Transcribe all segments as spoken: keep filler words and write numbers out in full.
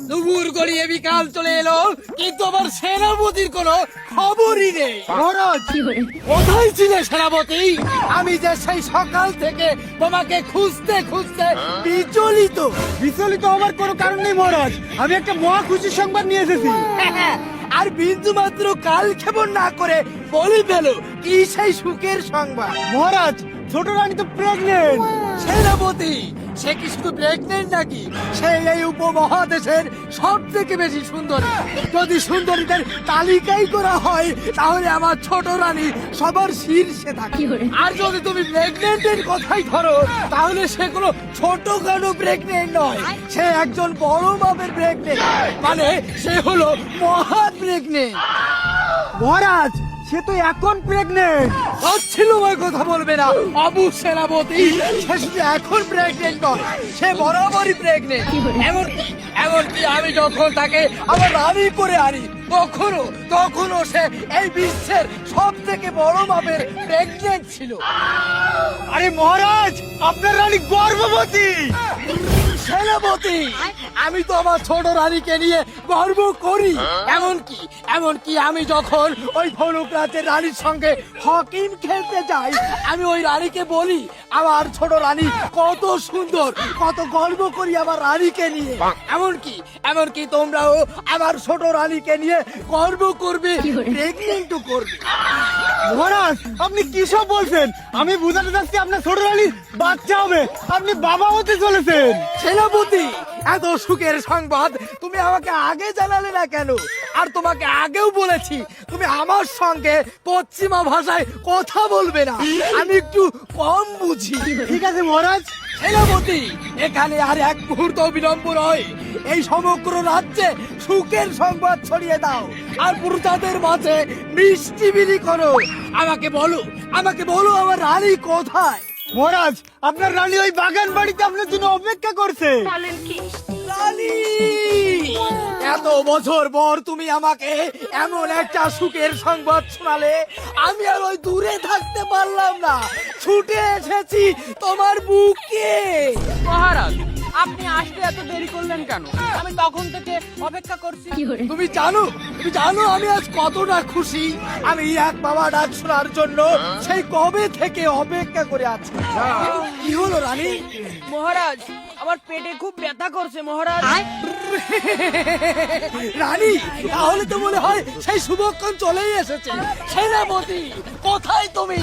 দুপুর গড়িয়ে বিকাল চলে এলো, কিন্তু আমার সেনাপতির কোনো খবরই নেই। মহারাজ কোথায় ছিলে সেনাপতি? আমি যে সেই সকাল থেকে তোমাকে খুঁজতে খুঁজতে বিচলিত। বিচলিত হওয়ার কোনো কারণ নেই মহারাজ, আমি একটা মহা খুশির সংবাদ নিয়ে এসেছি। আর বিন্দু মাত্র কাল ক্ষেপণ না করে বলে ফেলো কি সেই সুখের সংবাদ। মহারাজ ছোট রানী তো প্রেগনেন্ট। সেনাপতি সে কি শুধু প্রেগনেন্ট নাকি? সে এই উপমহাদেশের সব থেকে বেশি সুন্দরী। যদি সুন্দরীদের তালিকাই করা হয় তাহলে আমার ছোট রানী সবার শীর্ষে থাকে। আর যদি তুমি প্রেগনেন্টের কথাই ধরো তাহলে সে কোনো ছোটখাটো প্রেগনেন্ট নয়, সে একজন বড় মাপের প্রেগনেন্ট, মানে সে হলো মহা প্রেগনেন্ট। মহারাজ সে তো এখন প্রেগনেন্ট। ছিল ওই কথা বলবে না অবু সেনাপতি, সে শুধু এখন প্রেগনেন্ট নয়, সে বরাবরই প্রেগনেন্ট। এমনকি এমনকি আমি যখন তাকে আমার রানী করে আনি তখনও তখনও সে এই বিশ্বের সব থেকে বড় মাপের প্রেগনেন্ট ছিল। আরে মহারাজ আপনার রানী গর্ভবতী। সেনাপতি আমি তো আমার ছোট রানীকে নিয়ে গর্ব করি। এমনকি এমনকি আমি যখন ওই ধনুক রাজ্যের রানীর সঙ্গে হকিম খেলতে যাই আমি ওই রানীকে বলি আমার ছোট রানী কত সুন্দর, কত গর্ব করি আমার রানীকে নিয়ে। এমনকি এমনকি তোমরাও আমার ছোট রানীকে নিয়ে গর্ব করবে, প্রেগনেন্টও করবে। মহারাজ আপনি কি সব বলছেন? আমি বুঝাতে চাচ্ছি আপনার ছোট রানীর বাচ্চা হবে, আপনি বাবা হতে চলেছেন। সেনাপতি এত সুখের সংবাদ তুমি আমাকে আগে জানালে না কেন? আর তোমাকে আগেও বলেছি তুমি আমার সঙ্গে পশ্চিমা ভাষায় কথা বলবে না, আমি একটু কম বুঝি। ঠিক আছে মহারাজ। সেনাপতি এখানে আর এক মুহূর্ত বিলম্ব নয়, এই সমগ্র রাজ্যে সুখের সংবাদ ছড়িয়ে দাও আর প্রজাদের মাঝে মিষ্টি বিলি করো। আমাকে বলো আমাকে বলো আমার রানী কোথায়? মহারাজ আপনার রানী ওই বাগান বাড়িতে আপনার জন্য অপেক্ষা করছে। রানী এত বছর পর তুমি আমাকে এমন একটা সুখের সংবাদ শোনালে আমি আর ওই দূরে থাকতে পারলাম না, ছুটে এসেছি তোমার বুকে। মহারাজ আপনি আসতে এত দেরি করলেন কেন? আমি তখন থেকে অপেক্ষা করছি। তুমি জানো তুমি জানো আমি আজ কতটা খুশি। আমি এক বাবা ডাক শোনার জন্য সেই কবে থেকে অপেক্ষা করে আছি। কি হলো রানী? মহারাজ আমার পেটে খুব ব্যথা করছে মহারাজ। রানী তাহলে তো মনে হয় সেই শুভক্ষণ চলেই এসেছে। সেনাপতি কোথায় তুমি?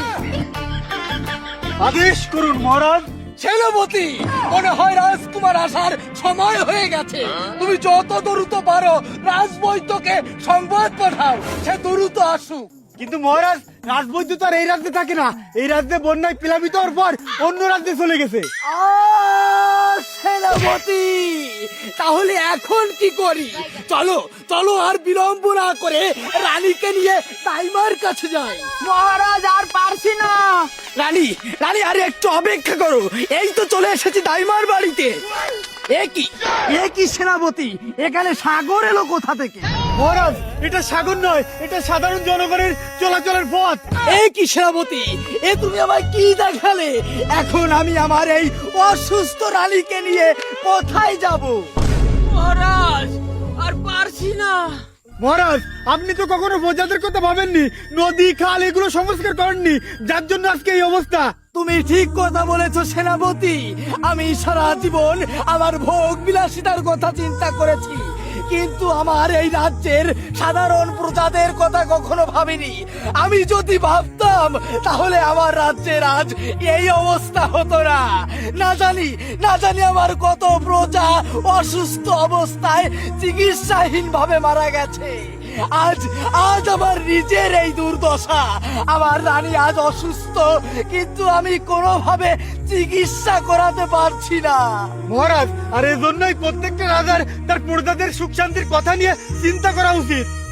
আদেশ করুন মহারাজ। সেনাপতি মনে হয় রাজকুমার আসার সময় হয়ে গেছে। তুমি যত দ্রুত পারো রাজবৈদ্যকে সংবাদ পাঠাও সে দ্রুত আসুক। কিন্তু মহারাজ রাজবৈদ্য তো আর এই রাজ্যে থাকে না, এই রাজ্যে বন্যায় প্লাবিত হওয়ার পর অন্য রাজ্যে চলে গেছে। আহ, সেনাপতি তাহলে এখন কি করি? চলো চলো আর বিলম্ব না করে রানীকে নিয়ে দাইমার কাছে যাই। মহারাজ আর পারছি না। রানী রানী আরে একটু অপেক্ষা করো, এই তো চলে এসেছি দাইমার বাড়িতে। একই একই সেনাপতি এখানে সাগর এলো কোথা থেকে? মহারাজ এটা সাগর নয়, এটা সাধারণ জনগণের চলাচলের পথ। একই সেনাপতি এ তুমি আমায় কি দেখালে? এখন আমি আমার এই অসুস্থ রানীকে নিয়ে কোথায় যাব? মহারাজ আর পারছি না। মহারাজ আপনি তো কখনো প্রজাদের কথা ভাবেননি, নদী খাল এগুলো সংস্কার করেননি, যার জন্য আজকে এই অবস্থা। তুমি ঠিক কথা বলেছো সেনাপতি, আমি সারা জীবন আমার ভোগ বিলাসিতার কথা চিন্তা করেছি, কিন্তু আমার এই রাজ্যের সাধারণ প্রজাদের কথা কখনো ভাবিনি। আমি যদি ভাবতাম তাহলে আমার রাজ্যের আজ এই অবস্থা হতো না। না জানি না জানি আমার কত প্রজা অসুস্থ অবস্থায় চিকিৎসাহীন ভাবে মারা গেছে। আজ আজ আমার নিজের এই দুর্দশা। আমার রানী আজ অসুস্থ, কিন্তু আমি কোনোভাবে চিকিৎসা করাতে পারছি না। মহারাজ আর এই জন্যই প্রত্যেকটা রাজার তার প্রজাদের সুখ শান্তির কথা নিয়ে চিন্তা করা উচিত।